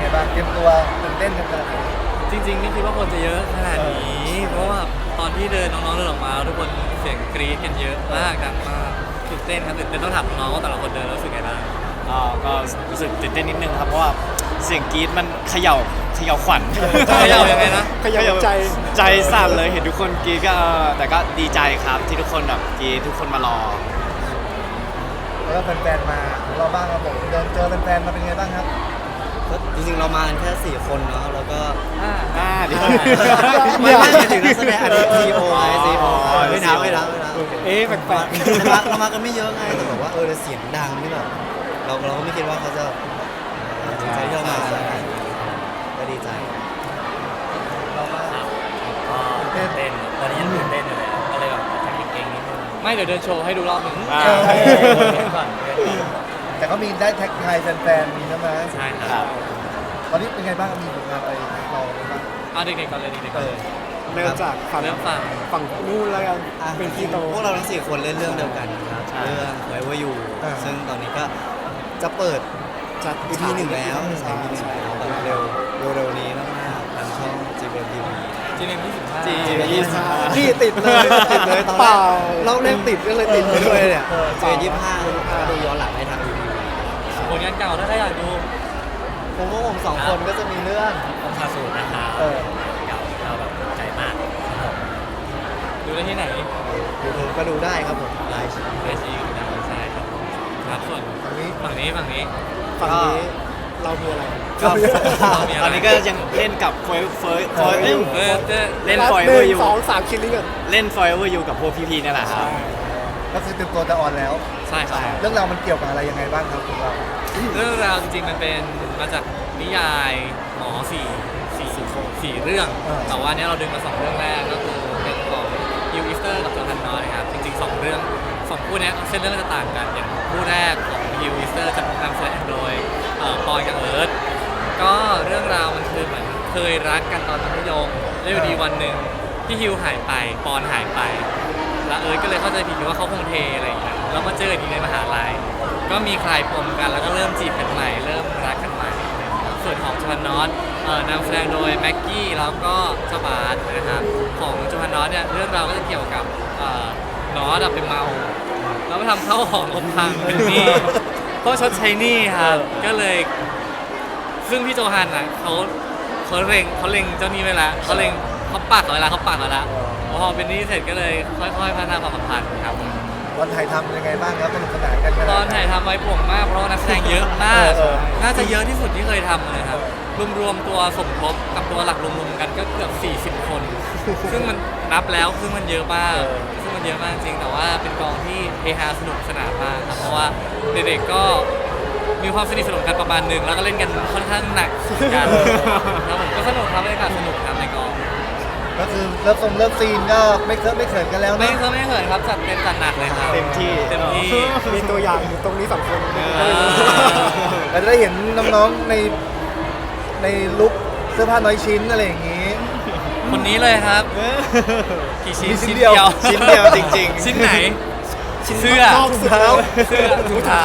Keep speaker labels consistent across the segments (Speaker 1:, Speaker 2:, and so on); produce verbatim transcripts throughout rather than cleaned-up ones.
Speaker 1: งบ้างเตรียมตัวตื่นเต้นกันขนาดไหน
Speaker 2: จริงๆไม่คิดว่าคนจะเยอะขนาดนี้ เพราะว่าตอนที่เดินน้องๆเดินออกมาทุกคนเสียงกรี๊ดกันเยอะมากดังมากตื่นเต้นครับตื่นเต้นต้องถามน้องว่าแต่ละคนเดินแล้วรู้สึกไงบ้าง
Speaker 3: อ่าก็รู้สึกตื่นเต้นนิดนึงครับเพราะว่าเสียงกรี๊ดมันเขย่าเขย่าขวัญ
Speaker 2: เขย่ายังไงนะ
Speaker 3: เขย่าใจใจสั่นเลยเห็นทุกคนกรี๊ดก็เออแต่ก็ดีใจครับที่ทุกคนแบบกรี๊ดทุกคนมารอ
Speaker 1: แล้วก็แฟนๆมาของเราบ้างครับผมเดินเจอแฟนๆมาเป็นไงบ้างครับ
Speaker 4: ก็จริงๆเรามากันแค่สี่คนเนาะแล้วก็
Speaker 2: อ่า
Speaker 3: อ่าดี
Speaker 4: ไม่ไม่ถึงนักแสดงอันนี้ซีโอไงซีโอไม่นับไม่นับไม่นับ
Speaker 3: เอ๊ะแปลก
Speaker 4: ๆเราเรามากันไม่เยอะไงแต่แบบว่าเออเสียงดังนี่แบบเราเราก็ไม่คิดว่าเขาจะดีใจที่เรามาก็ดีใจ
Speaker 1: เรามา
Speaker 5: ก็ตื่นเต้นตอนนี้ยังตื่นเต้นอยู่เลยก็เลยแบบอาจจะเก่งๆนิดนึง
Speaker 2: ไม่เดี๋ยวเดินโชว์ให้ดูรอบหนึ่ง
Speaker 3: อ่า
Speaker 5: เล่นก่อนเล่นก่อน
Speaker 1: แต่ก็มีได้แท็กทายแฟนๆมีใช่ไหม
Speaker 2: ใช่ค
Speaker 3: ค
Speaker 2: รั
Speaker 3: รั
Speaker 2: บบ
Speaker 1: ตอนนี้เป็นไงบ้างมีผลงานอะไรเราบ้าง
Speaker 2: เอาเด็กๆก่อนเลยเด็กๆก่อนเลย
Speaker 3: เริ่มจากฝั่ง
Speaker 2: เริ่มฟัง
Speaker 3: ฝั่งนู่นแล้วกัน
Speaker 4: อ่ะ
Speaker 3: เป็นพี่โต
Speaker 4: พวกเราทั้งสี่คนเล่นเรื่องเดียวกันครับ
Speaker 3: ใช่
Speaker 4: เรื่องไว้ว่าอยู่ซึ่งตอนนี้ก็จะเปิด
Speaker 3: จัด
Speaker 4: อี พีหนึ่งแล้ว
Speaker 3: ใช่
Speaker 4: อี พีหนึ่งแล้วแบบเร็วเร็วๆนี้มากๆทางช่อง จี บี เอ็ม ที วี
Speaker 2: จีเอ็มยี่สิบห้า
Speaker 3: จียี่สิบห้า
Speaker 4: พี่ติดเลยติดเลยตอน
Speaker 3: เป
Speaker 4: แร
Speaker 3: ล่าก
Speaker 4: เราเล่นติดก็เลยติดไปด้วยเนี่ย
Speaker 1: เออ
Speaker 4: เจอยี่สิบห้าดูย้อนหลังได้ทาง ยู ที วี
Speaker 2: ผลงานเก่าถ้าใครอยากดู
Speaker 4: ผมว่าผมสองคนก็จะมีเรื่อง
Speaker 5: ผมพาสูตรนะครับ
Speaker 1: เออ
Speaker 5: เก่าเราแบบใจมากครับผม
Speaker 2: ดูได้ที่ไหน
Speaker 4: ยูทูบก็ดูได้ครับผมไลฟ์
Speaker 2: ไอซีได้ใช่ครับครับส่วน
Speaker 1: ตรงนี้
Speaker 2: ฝั่งนี้ฝั่งนี้
Speaker 4: ฝั่งนี้เรามีอะไร
Speaker 3: ก็
Speaker 2: มีอะไร
Speaker 3: ตอนนี้ก็ยังเล่นกับเฟยเฟยเฟย
Speaker 2: เออเออเออ
Speaker 3: เล่น Forever You
Speaker 4: สองสามคิลลิ่งกัน
Speaker 3: เล่น Forever You กับพวกพี่ๆนี่แหละครับ
Speaker 1: ก็คือเตรียมตัวจะออนแล้ว
Speaker 2: ใช่ครับ
Speaker 1: เรื่องราวมันเกี่ยวกับอะไรยังไงบ้างครับพวกเรา
Speaker 2: เรื่องราวจริงๆมันเป็นมาจากนิยายหมอสี่สี่สี่เรื่อง แต่ว่าเนี้ยเราดึงมาสองเรื่องแรกก็คือเป็นของยูอิสเตอร์กับโจฮันนอยครับจริงๆสองเรื่องสองคู่เนี้ยเส้นเรื่องจะต่างกันอย่างคู่แรกของยูอิสเตอร์จะนำแสดงโดยเอ่อปอยกับเอิร์ธก็เรื่องราวมันคือเหมือนเคยรักกันตอนมัธยมแล้วอยู่ดีวันหนึ่งพี่ฮิวหายไปปอนหายไป แล้วเอิร์ธก็เลยเข้าใจผิดว่าเขาคงเทอะไรอย่างเงี้ยแล้วมาเจออีกในมหาลัยก็มีคลายปมกันแล้วก็เริ่มจีบกันใหม่เริ่มรักกันใหม่นะครับส่วนของโจฮันนอตเอ่อนำแสดงโดยแม็กกี้แล้วก็เจ้าบาสนะครับของโจฮันนอตเนี่ยเรื่องราวก็จะเกี่ยวกับเอ่อนอตอะเป็นเมาแล้วไปทำเข้าของอบพังเป็นหนี้ต้องชดใช้หนี้ครับก็เลยซึ่งพี่โจฮันอ่ะเขาเขาเล็งเขาเล็งเจ้าหนี้ไว้แล้วเขาเล็งเขาปักเอาไว้แล้วเขาปักเอาไว้แล้วพอเป็นหนี้เสร็จก็เลยค่อยๆพัฒนาความสัมพันธ์ครับ
Speaker 1: วันถ่ายทำยังไงบ้างครับสนุกสนานกันขนาด
Speaker 2: ต
Speaker 1: ไห
Speaker 2: อนถ่ายทำไว้ป่วงมากเพราะว่านักแสดงเยอะมาก
Speaker 1: เออ
Speaker 2: น่าจะเยอะที่สุดที่เคยทำเลยครับ รวมๆตัวสมทบกับตัวหลักรวมๆกันก็เกือบสี่สิบคน ซึ่งมันนับแล้วซึ่งมันเยอะมาก ซึ่งมันเยอะมากจริงแต่ว่าเป็นกองที่เฮฮาสนุกสนานมากครับเพราะว่าเด็กๆก็มีความสนิทสนมกันประมาณหนึ่งแล้วก็เล่นกันค่อนข้างหนักกันแล้วผมก็สนุกครับบรรยากาศสนุกครับในกอง
Speaker 1: ก็คือเลิฟทรงเลิฟซีนก็ไม่เคอะไม่เขินกันแล้ว
Speaker 2: ไม่
Speaker 1: นะ
Speaker 2: เคยไม่เคยครับจัดเต็มจัดหนักเลยครับ
Speaker 3: เต็มที่
Speaker 2: เต็มที่
Speaker 3: มีตัวอย่างอยู่ตรงนี้สองคน
Speaker 1: เราจะได้เห็นน้องๆในในลุคเสื้อผ้าน้อยชิ้นอะไรอย่างนี้
Speaker 2: คนนี้เลยครับกี่ชิ้น
Speaker 1: มีชิ้นเดียว
Speaker 3: ชิ้นเดียวจริงๆ
Speaker 2: ชิ้นไหนเสื้อ
Speaker 1: รองเท้า
Speaker 2: เสื้อถุงเท้า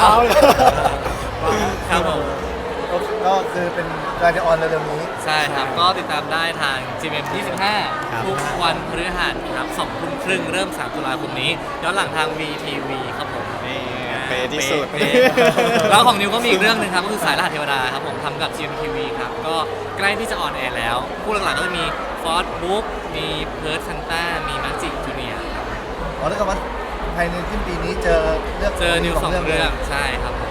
Speaker 2: ครับผม
Speaker 1: ก็คือเป็นการจะออนเร็วๆนี้
Speaker 2: ใช่ครับก็ติดตามได้ทาง จี เอ็ม ยี่สิบห้า
Speaker 3: ครับ
Speaker 2: ทุกวันพฤหัสครับสองทุ่มครึ่งเริ่มสามตุลาคมนี้ย้อนหลังทาง วี ที วี ครับผม
Speaker 3: นี่เป๊ะที่สุด
Speaker 2: เป๊ะเป๊ะแล้วของนิวก็มีอีกเรื่องหนึงครับก็คือสายรหัสเทวดาครับผมทำกับ จี เอ็ม ที วี ครับก็ใกล้ที่จะออนแอร์แล้วคู่หลักๆก็จะมีฟอสบุ๊กมีเพิร์ดซันต้ามีมาจิจูเนียร์ครับ
Speaker 1: อ๋อแล้วก็ว่าภายในสิ้นปีนี้เจอเลือก
Speaker 2: เจอนิวสองเรื่องใช่ครับ